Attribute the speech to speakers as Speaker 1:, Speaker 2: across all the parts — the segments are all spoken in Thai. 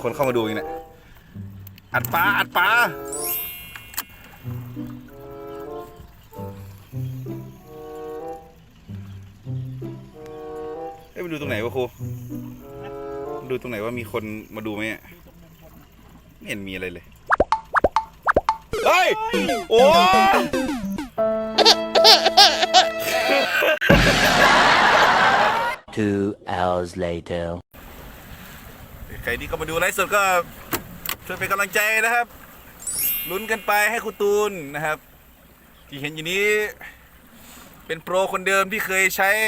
Speaker 1: คนเข้ามาดูอีกเนี่ยอัดปลาไปดูตรงไหนวะครูดูตรงไหนว่ามีคนมาดูไหมไม่เห็นมีอะไรเลยเฮ้ยโอ้
Speaker 2: 2 hours later
Speaker 1: ใครที่เข้ามาดูไลฟ์สดก็ช่วยเป็นกำลังใจนะครับลุ้นกันไปให้ครูตูนนะครับที่เห็นอยู่นี้เป็นโปรคนเดิมที่เคยใช้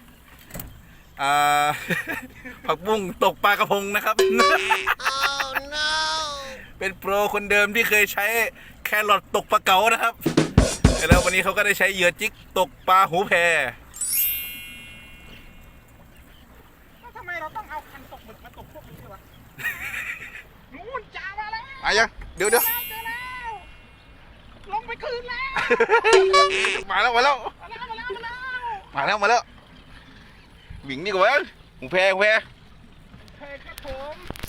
Speaker 1: ผักบุ้งตกปลากระพงนะครับ oh, no. เป็นโปรคนเดิมที่เคยใช้แครอทตกปลาเก๋านะครับแล้ววันนี้เขาก็ได้ใช้เหยื่อจิกตกปลาหูแพ
Speaker 3: ทำไมเราต้องเอาคันตกหมึกมาตกพวกนี้ด้วยวะนู่นจ้ามาแล้ว
Speaker 1: ยังเดี๋ยว
Speaker 3: เจอแล้วลงไปคืนแล้ว
Speaker 1: มาแล้วหมิงนี่กว่าหูแพ
Speaker 3: ครับผม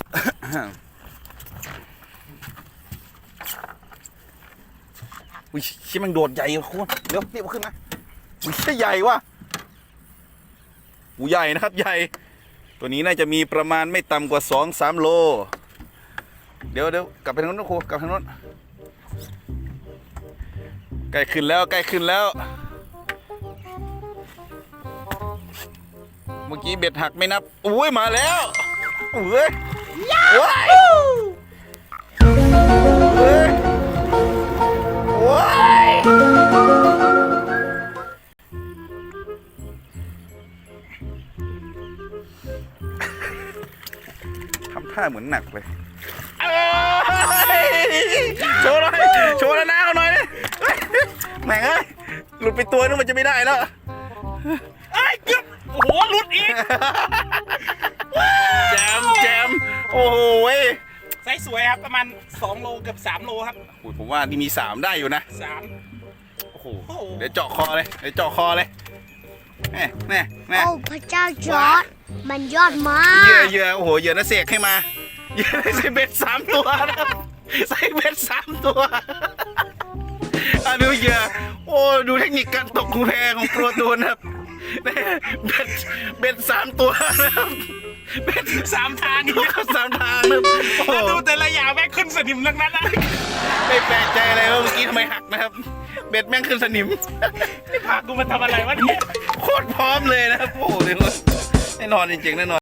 Speaker 1: อุ้ยชิมันโดดใหญ่คุณเดี๋ยวรีบขึ้นมาอุ้ยใหญ่ว่ะหูใหญ่นะครับใหญ่ตัวนี้น่าจะมีประมาณไม่ต่ำกว่า 2-3 โลเดี๋ยวกลับไปทางโน้นนะครูกลับทางโน้นใกล้ขึ้นแล้วเมื่อกี้เบ็ดหักไม่นับอุ้ยมาแล้วเว้ยทำท่าเหมือนหนักเลยโชว์แล้วนะเอาหน่อยเลยแหม่งหลุดไปตัวนึงมันจะไม่ได้แล้ว
Speaker 3: เกือบโอ้โหหลุดอีก
Speaker 1: แจมโอ้โห
Speaker 3: ไซส์สวยครับประมาณ2 โลเกือบ3 โลครับ
Speaker 1: ผมว่านี่มี3ได้อยู่นะ
Speaker 3: 3โอ้โห
Speaker 1: เดี๋ยวเจาะคอเลยแน่
Speaker 4: โอ้พระเจ้าจอร์จมันยอดมาก
Speaker 1: เหยื่อโอ้โหเหยื่อน่าเสกให้มาเหยื่อใส่เบ็ด3 ตัวนะครับใส่เบ็ด3 ตัวดูเหยื่อโอ้ดูเทคนิคการตกหูแพของโปรตูนครับเบ็ด3 ตัวนะครับ
Speaker 3: เบ็ด3 ทาง
Speaker 1: นี่ก็3 ทางนะ
Speaker 3: ดูแต่ละอย่างแม่งขึ้นสนิมทั้งนั้นนะ
Speaker 1: ไม่แปลกใจอะไรว่าเมื่อกี้ทำไมหักนะครับเบ็ดแม่งขึ้นสนิม
Speaker 3: นี่พากูมาทำอะไรวะเนี่ย
Speaker 1: โคตรพร้อมเลยนะครับโอ้โหแน่นอนจริงๆแน่นอน